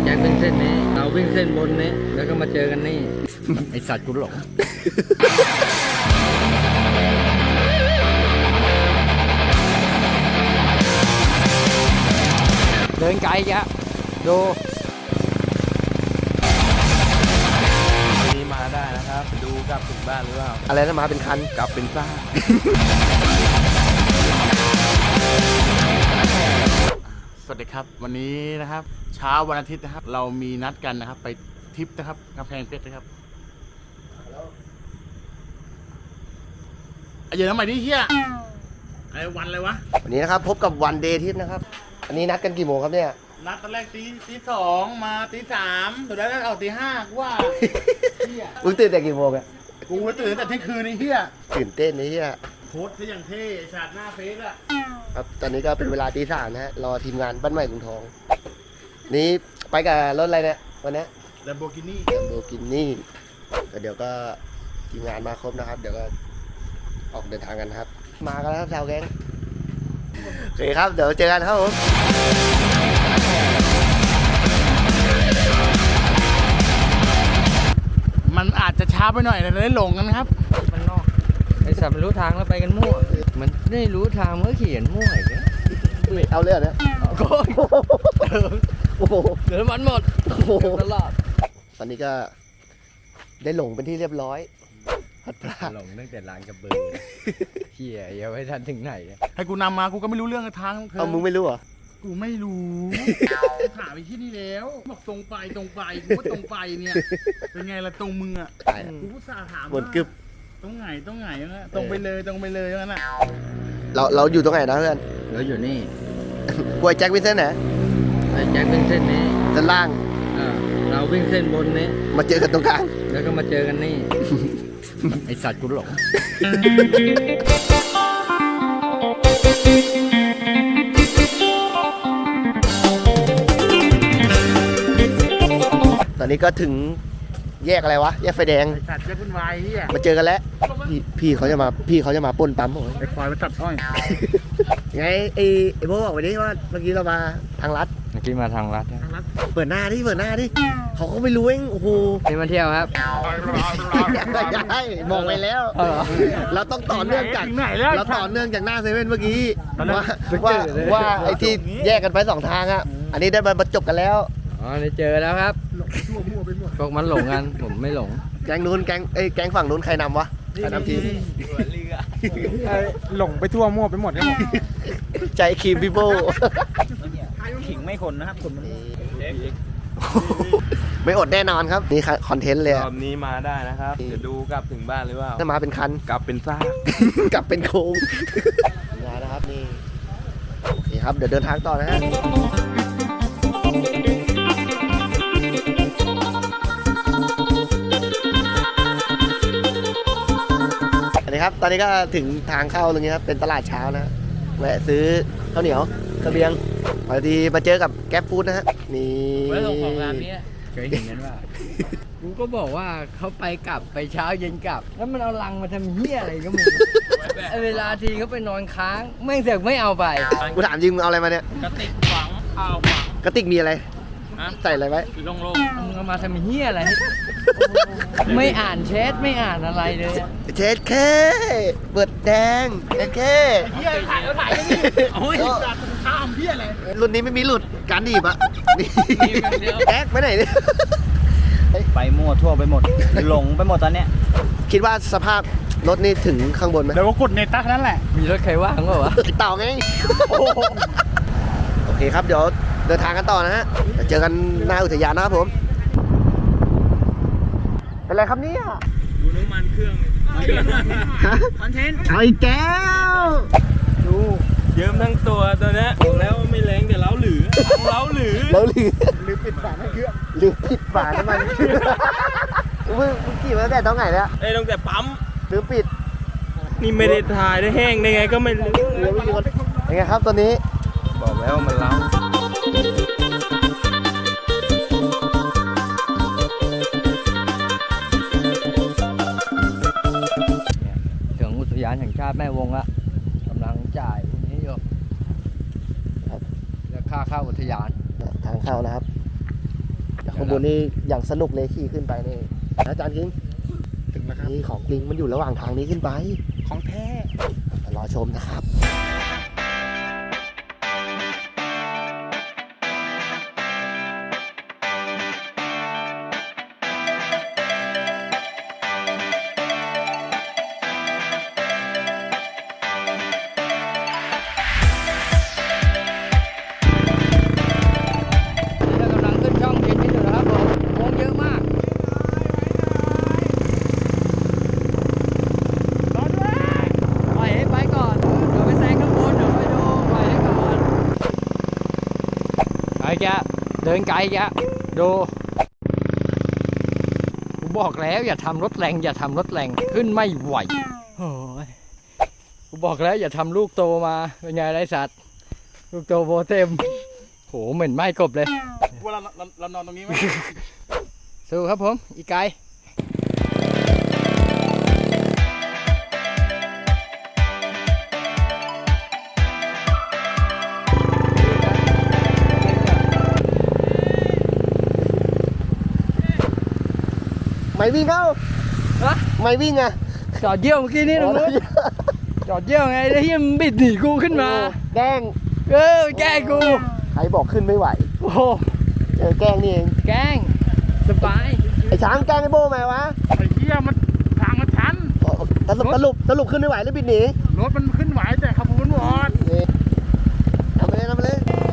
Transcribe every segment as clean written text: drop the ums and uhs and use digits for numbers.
แจ็ควิ่งเส้นนี้เราวิ่งเส้นบนนี้แล้วก็มาเจอกันนี่ ไอสัตว์กูหลงเดินไกลแกดูนี่มาได้นะครับดูกลับถึงบ้านหรือเปล่าอะไรนะมาเป็นคันกลับเป็นซ่าสวัสดีครับวันนี้นะครับเช้าวันอาทิตย์นะครับเรามีนัดกันนะครับไปทริปนะครับกำแพงเพชรนะครับเดี๋ยวทำไมดิเฮียไอ้วันอะไรวะวันนี้นะครับพบกับวันเดย์ทิปนะครับอันนี้นัดกันกี่โมงครับเนี่ยนัดตอนแรกตีสองมาตีสามสุดท้ายก็เอาตีห้าว่าเฮียมึงตื่นแต่กี่โมงอะกูตื่นแต่เที่ยงคืนนี่เฮียตื่นเต้นนี่เฮียโพสต์ซะอย่างเท่ฉาดหน้าเฟซอะครับตอนนี้ก็เป็นเวลาตีสามนะฮะรอทีมงานบ้านใหม่กรุงทองนี่ไปกับรถอะไรเนี่ยวันนี้ Lamborghini เดี๋ยวก็ทีมงานมาครบนะครับเดี๋ยวก็ออกเดินทางกันครับมากันแล้วครับชาวแก๊งโอเคครับเดี๋ยวเจอกันครับผมมันอาจจะช้าไปหน่อยแต่ได้หลงกันครับมันนอกไอสัตว์มันรู้ทางแล้วไปกันมั่วมันไม่รู้ทางมันก็เขียนมั่วอีกนะเอาเรื่องนะโอ้โหเดี๋ยวมันหมดตลอดตอนนี้ก็ได้หลงเป็นที่เรียบร้อยพัดพลาดหลงตั้งแต่ลานกระเบือเขี่ยยังไม่ทันถึงไหนให้กูนำมากูก็ไม่รู้เรื่องทางเอามึงไม่รู้เหรอกูไม่รู้ถามไปที่นี่แล้วบอกตรงไปกูก็ตรงไปเนี่ยเป็นไงล่ะตรงมึงอ่ะกูก็สาถามหมดกึบตรงไหนนะตรงไปเลยงั้นน่ะเราอยู่ตรงไหนนะเพื่อนเราอยู่นี่กล้วยแจ็ควิ่งเส้นไหนไอแจ็ควิ่งเส้นนี้ด้านล่างเราวิ่งเส้นบนนี้มาเจอกันตรงกลางแล้วก็มาเจอกันนี่ไอสัตว์กูหลงตอนนี้ก็ถึงแยกอะไรวะแยกไฟแดงสัตว์แยกวุ่นวายเฮียมาเจอกันแล้วพี่เขาจะมาปล้นปั๊มผมไอ้ควายมาตัดอ้อยไงไอ้โบบอกไปดิว่าเมื่อกี้เรามาทางลัดเมื่อกี้มาทางลัดเปิดหน้าดิเขาก็ไม่รู้เองโอ้โหนี่มาเที่ยวครับบอกไปแล้วเราต้องต่อเนื่องจากหน้าเซเว่นเมื่อกี้ว่าไอ้ที่แยกกันไป2ทางอ่ะอันนี้ได้มาจบกันแล้วอ๋อได้เจอแล้วครับพวกมันหลงกันผมไม่หลงแก๊งนู้นแก๊งฝั่งนู้นใครนำวะใครนำทีมหลงไปทั่วมั่วไปหมดครับใจครีมพี่โบขิงไม่ขนนะครับขนมันไม่อดแน่นอนครับนี่คอนเทนต์เลยรอบนี้มาได้นะครับจะดูกลับถึงบ้านหรือเปล่าถ้ามาเป็นคันกลับเป็นซ่ากลับเป็นโค้งมานะครับนี่โอเคครับเดี๋ยวเดินทางต่อนะฮะครับตอนนี้ก็ถึงทางเข้าตรงนี้ครับเป็นตลาดเช้านะแวะซื้อข้าวเหนียวกระเบียงพอดีมาเจอกับแก๊ปฟู้ดนะฮะนี่ไว้ส่งของร้านนี้เคยเห็นกันว่ากูก็บอกว่าเขาไปกลับไปเช้าเย็นกลับแล้วมันเอาลังมาทำเหี้ยอะไรก็ไม่รู้เวลาทีเขาไปนอนค้างแม่งเสือกไม่เอาไปกูถามจริงมึงเอาอะไรมาเนี่ยกระติกฝังกระติกมีอะไรใส่อะไรไว้โล่งมึงเอามาทำเหี้ยอะไรไม่อ่านแชทไม่อ่านอะไรเลยเช็ดแค่เปิดแดงแค่เหี้ยถ่ายกันนี่โอ้ยทำเหี้ยอะไรรุ่นนี้ไม่มีหลุดการดีบอะนี่แอ๊กไปไหนเนี่ยไปมั่วทั่วไปหมดหลงไปหมดตอนเนี้ยคิดว่าสภาพรถนี่ถึงข้างบนไหมเดี๋ยวก็กดเนต้านั่นแหละมีรถใครว่างก็วะติดต่อไงโอเคครับเดี๋ยวเดินทางกันต่อนะฮะเจอกันหน้าอุทยานนะครับผมเป็นไรครับเนี่ยดูน้ำมันเครื่องคอนเทนต์ไอ้แก้วดูเยิ้มทั้งตัวนี้บอกแล้วไม่แรงแต่เล้าหรือปิดฝาน้ำเครื่องลืมปิดฝาน้ำมันเครื่องมึงขี่มาตั้งแต่ตอนไหนเนี่ยตั้งแต่ปั๊มลืมปิดนี่ไม่ได้ถ่ายได้แห้งได้ไงก็ไม่รู้ยังไงครับตอนนี้บอกแล้วมันเล้าถึงอุทยานแห่งชาติแม่วงละกำลังจ่ายพวกนี้อยู่แล้วค่าเข้าอุทยานทางเข้านะครับข้างบนนี่อย่างสนุกเลยขี่ขึ้นไปนี่อาจารย์คิงถึงแล้วครับนี่ของจริงมันอยู่ระหว่างทางนี้ขึ้นไปของแท้รอชมนะครับเรากำลังขึ้นช่องเย็นนี่อยู่นะครับผมโค้งเยอะมากรอด้วยปล่อยให้ไปก่อนเดี๋ยวไปแซงข้างบนเดี๋ยวไปดูปล่อยให้ก่อนไอ้แกเดินไกลแกดูกูบอกแล้วอย่าทำรถแรงอย่าทำรถแรงขึ้นไม่ไหวโอ้ยกูบอกแล้วอย่าทำลูกโตมาเป็นไงไรสัตว์ลูกโตโบเต็มโหเหม็นไหม้กบเลยว่าเรานอนตรงนี้ไหมสู้ครับผมอีกไกลไม่วิ่งเข้าฮะไม่วิ่งอ่ะจอดเยี่ยวเมื่อกี้นี่ตรงนู้นจอดเยี่ยวไงแล้วเฮียมันบิดหนีกูขึ้นมาแกล้งไปแกล้งกูใครบอกขึ้นไม่ไหวโอ้โหแกล้งนี่เองแกล้งสบายไอ้ช้างแกล้งไอ้โบ้ไหมวะไอ้เหี้ยมันทางมันชันสรุปขึ้นไม่ไหวแล้วบิดหนีรถมันขึ้นไหวแต่ขบวนวอดนี่ทำไปเลย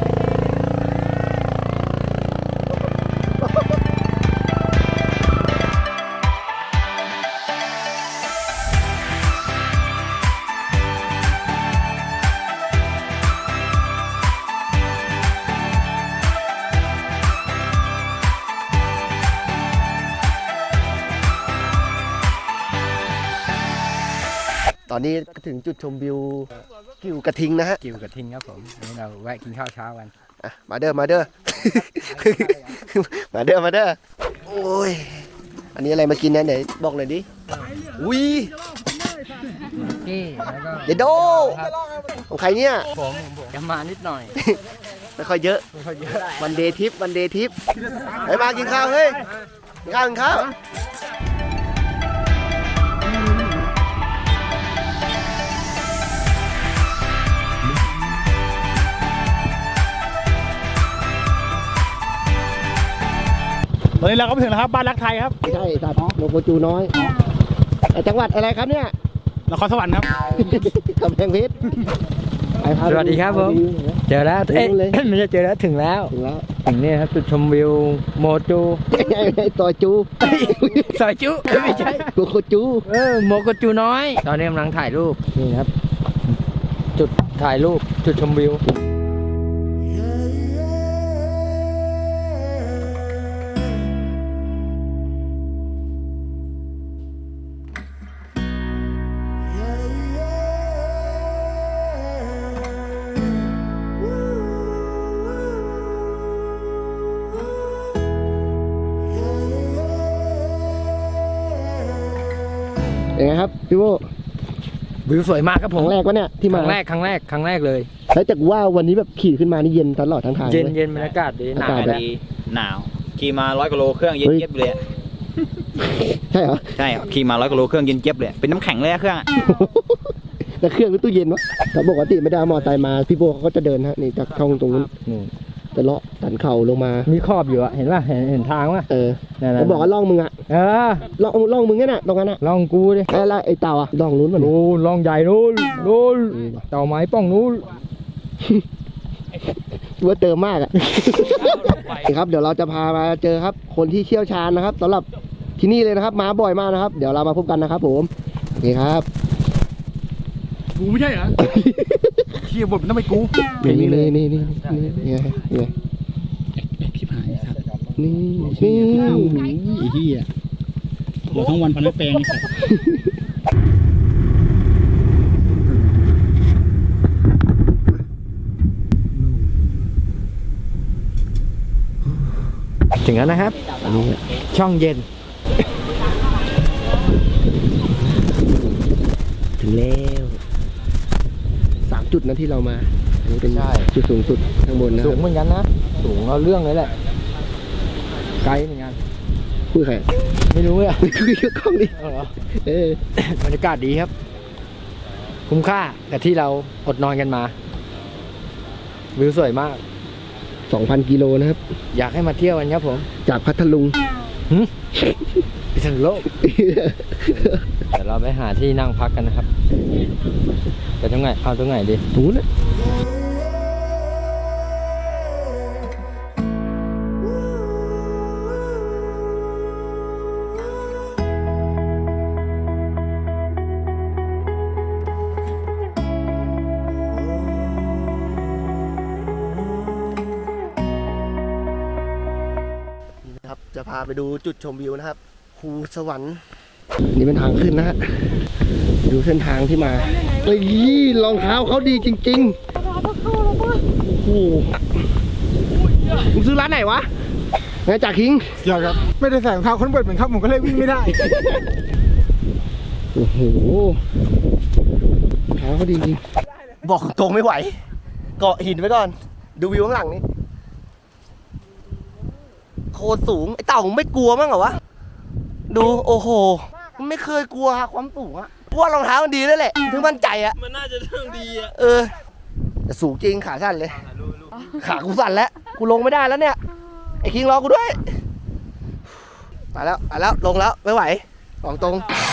ตอนนี้ถึงจุดชมวิวกิวกระทิงนะฮะกิวกับทิงครับผมนี่เราแวะกินข้าวเช้ากันอ่ะมาเด้อ มาเด้อ มาเด้อ มาเด้อ โอ้ย อันนี้อะไรมากินเนี่ยไหนบอกหน่อยดิ อุ้ยนี่แล้วก็เดโดของใครเนี่ยผมจะมานิดหน่อยไม่ค่อยเยอะไม่ค่อยเยอะวันเดย์ทิปไปมากินข้าวเฮ้ย กินข้าวตอนนี้เราก็ไปถึงแล้วครับบ้านรักไทยครับไม่ใช่สัตว์โลโกจูน้อยไอ้จังหวัดอะไรครับเนี่ยนครสวรรค์ครับกำแพงเพชรไปพาสวัสดีครับผม เจอแล้วเอ๊ะไม่ใช่เจอแล้วถึงแล้วถึงแล้วถึงนี่ครับจุดชมวิวโมจูไอ้ตัวจูซอยจุไม่ใช่โลโกจูโมกจูน้อย ตอนนี้กำลังถ่ายรูปนี่ครับ จุดถ่ายรูปจุดชมวิวเป็นไงครับพี่โบวิวสวยมากครับคผมรั้งแรกวะเนี่ยที่คมารั้งแรกเลยแล้วจากว่าวันนี้แบบขี่ขึ้นมานี่เย็นตลอดทั้งทางเย็นเลยเย็นบรรยากาศดีหาวอานกาศแล้วดีหนาวขี่มา100 กว่าโลเครื่องเย็นเจี๊ยบเลยอะใช่เหรอใช่ครับขี่มา100 กว่าโลเครื่องเย็นเจี๊ยบเลยเป็นน้ำแข็งเลยอะเครื่องอะแล้วเครื่องหรือตู้เย็นวะแต่ปกติไม่ได้เอามอเตอร์ไซค์มาพี่โบเขาก็จะเดินฮะนี่จากช่องตรงนู้นนู่นจะเลาะสันเข่าลงมามีขอบอยู่อะเห็นป่ะเห็นทางป่ะ นั่นแล้วบอกว่าล่องมึงอะเออล่องมึงเนี่ยน่ะตรงนั้นอะลองกูดิแล้วไอ้เต่าอะล่องนู้นมันนู่นลองใหญ่นู่นเต่าไม้ป้องนู่นว่าเติมมากอะ ครับเดี๋ยวเราจะพามาเจอครับ คนที่เชี่ยวชาญนะครับสำหรับที่นี่เลยนะครับมาบ่อยมากนะครับ เดี๋ยวเรามาพบกันนะครับผมโอเคครับกูไม่ใช่เหรอ เฮียบทมันต้องไปกูนี่ไงชิบหายครับนี่ไอ้เฮียหัวทั้งวันพันไม่แปลงไอ้สัสถึงแล้วนะครับ ช่องเย็นถึงแล้ว3 จุดนะที่เรามาอันนี้เป็นใช่จุดสูงสุดข้างบนนะคสูรังบเหมือนกันนะ สูงเอาเรื่องเลยแหละไกด์เหมือนกันคุยใครไม่รู้อ่ะคุยกับกล้องดิเอาเหรอเบรรยากาศดีครับ คุ้มค่ากับที่เราอดนอนกันมาวิวสวยมาก 2,000 กิโลนะครับอยากให้มาเที่ยวกันครับผมจากพัทลุงพิษณุโลก เดี๋ยวเราไปหาที่นั่งพักกันนะครับไปตรงไหนเอาตรงไหนดีถูนะนี่นะครับ จะพาไปดูจุดชมวิวนะครับภูสวรรค์นี่เป็นทางขึ้นนะฮะ ดูเส้นทางที่มาเฮ้ยรองเท้าเขาดีจริงๆโอ้โหมึงซื้อร้านไหนวะไงจากคิงอยากครับไม่ได้ใส่รองเท้าคอนเวิร์ตเหมือนครับผมก็เลยวิ่งไม่ได้โอ้โหรองเท้าเขาดีจริงบอกตรงไม่ไหว เกาะหินไว้ก่อน ดูวิวข้างหลังนี่โคตรสูง ไอ้เต่ามึงไม่กลัวมั้งเหรอวะ ดูโอ้โหมันไม่เคยกลัวความสูงอะว่ารองเท้ามันดีแล้วแหละถึงมั่นใจอะมันน่าจะเรื่องดีอะแต่สูงจริงขาสั่นเลย ขากูสั่นแล้วกูลงไม่ได้แล้วเนี่ยไอ้คิงรอกูด้วยไปแล้วลงแล้วไม่ไหวบอกตรง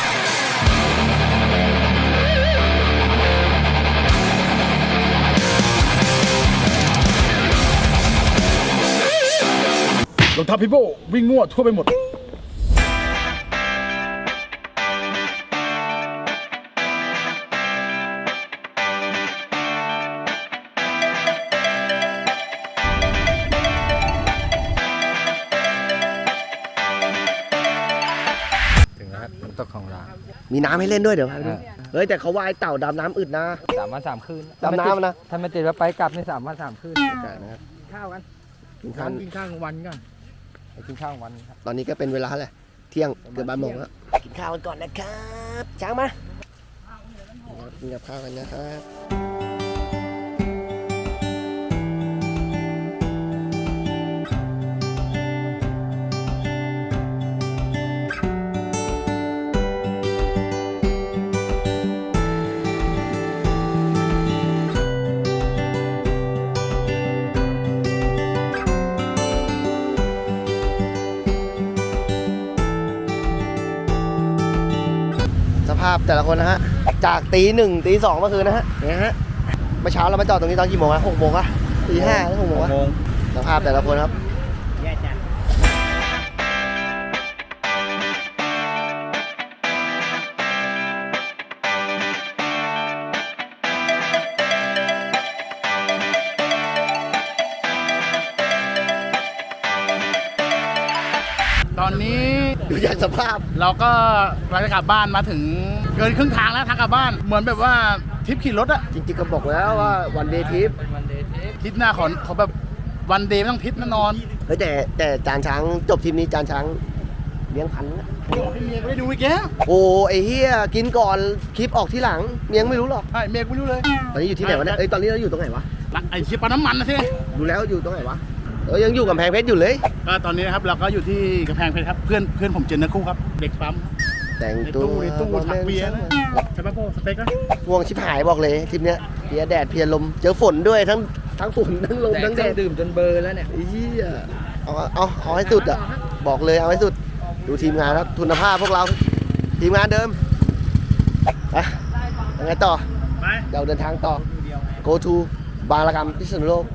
รองเท้าพี่โบวิ่งมั่วทั่วไปหมดถึงแล้วครับน้ำตกของเรามีน้ำให้เล่นด้วยเดี๋ยวเฮ้ยแต่เขาว่ายเต่าดำน้ำอึดนะ 3 วัน 3 คืนดำน้ำนะถ้าไม่ติดว่าไปกลับใน3 วัน 3 คืนนะครับข้าวกันกินข้าวกินข้าวกลางวันก่อนไปกินข้าวกลางวันครับตอนนี้ก็เป็นเวลาแหละเที่ยงเกือบบ่ายโมงแล้วกินข้าวกันก่อนนะครับช้างมากินกับข้าวกันนะครับสภาพแต่ละคนนะฮะจากตี 1 ตี 2เมื่อคืนนะฮะเนี่ยฮะเมื่อเช้าเรามาจอดตรงนี้ตอนกี่โมงอะ6 โมงอะตี 5หรือ6 โมงอะสภาพแต่ละคนครับตอนนี้ดูจากสภาพเราก็กำลังจะกลับบ้านมาถึงเกินครึ่งทางแล้วทางกลับบ้านเหมือนแบบว่าทริปขี่รถอะจริงๆก็บอกแล้วว่าวันเดย์ทริปเป็นวันเดย์ทริปทริปหน้าขอแบบวันเดย์ไม่ต้องทริปแน่นอนเฮ้ยแต่จานช้างจบทริปนี้จานช้างเลี้ยงพันนะบอกให้เมียกูได้ดูอีกแล้วโอ้ไอ้เฮียกินก่อนคลิปออกที่หลังเมียงไม่รู้หรอกใช่เมียกูไม่รู้เลยตอนนี้อยู่ที่ไหนวะเนี่ยตอนนี้เราอยู่ตรงไหนวะไอ้ชิปปาน้ำมันนะสิดูแล้วอยู่ตรงไหนวะยังอยู่กับแพงเพชรอยู่เลยก็ตอนนี้นะครับเราก็อยู่ที่กำแพงเพชรครับเพื่อนผมเจนนะคู่ครับเด็กปั๊มแต่งในตัวตู้ถักเบียร์ใช่ปะโป้สเปกอะง่วงชิบหายบอกเลยทริปเนี้ยเพียแดดเพียลมเจอฝนด้วยทั้งฝนทั้งลมแต่ทั้งเคแดรื่องดดื่มจนเบลอร์แล้วเนี่ยเฮียเอาให้สุดอ่ะบอกเลยเอาให้สุดดูทีมงานครับทุนภาพพวกเราทีมงานเดิมไปยังไงต่อไปเราเดินทางต่อ go to บางระกำพิษณุโลก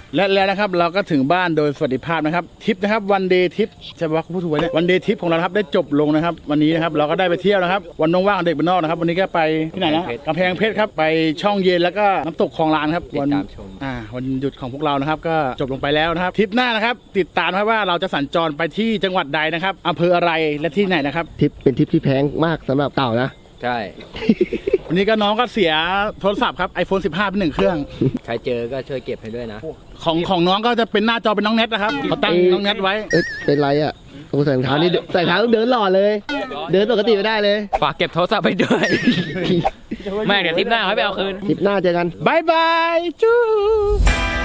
และแล้วนะครับเราก็ถึงบ้านโดยสวัสดิภาพนะครับทริปนะครับวันเดย์ทริปจะว่าพูดถูกไหมเนี่ยวันเดย์ทริปของเราครับได้จบลงนะครับวันนี้นะครับเราก็ได้ไปเที่ยวนะครับวันว่างๆของเด็กบ้านนอกนะครับวันนี้ก็ไปที่ไหนนะกำแพงเพชรครับไปช่องเย็นแล้วก็น้ำตกคลองลานครับวันวันหยุดของพวกเรานะครับก็จบลงไปแล้วนะครับทริปหน้านะครับติดตามครับว่าเราจะสัญจรไปที่จังหวัดใดนะครับอำเภออะไรและที่ไหนนะครับทริปเป็นทริปที่แพงมากสำหรับเต่านะใช่วันนี้ก็น้องก็เสียโทรศัพท์ครับ iPhone 15 เป็น1เครื่องใครเจอก็ช่วยเก็บให้ด้วยนะของน้องก็จะเป็นหน้าจอเป็นน้องเน็ตนะครับเขาตั้งน้องเน็ตไว้เอ้ยเป็นไรอ่ะโอ้ใส่รองเท้านี่ใส่รองเท้าต้องเดินหล่อเลย เดินปกติไม่ได้เลยฝากเก็บโทรศัพท์ไปด้วย แม่งเดี๋ยวทริปหน้าให้ไปเอาคืนทริปหน้าเจอกันบายบายจู๊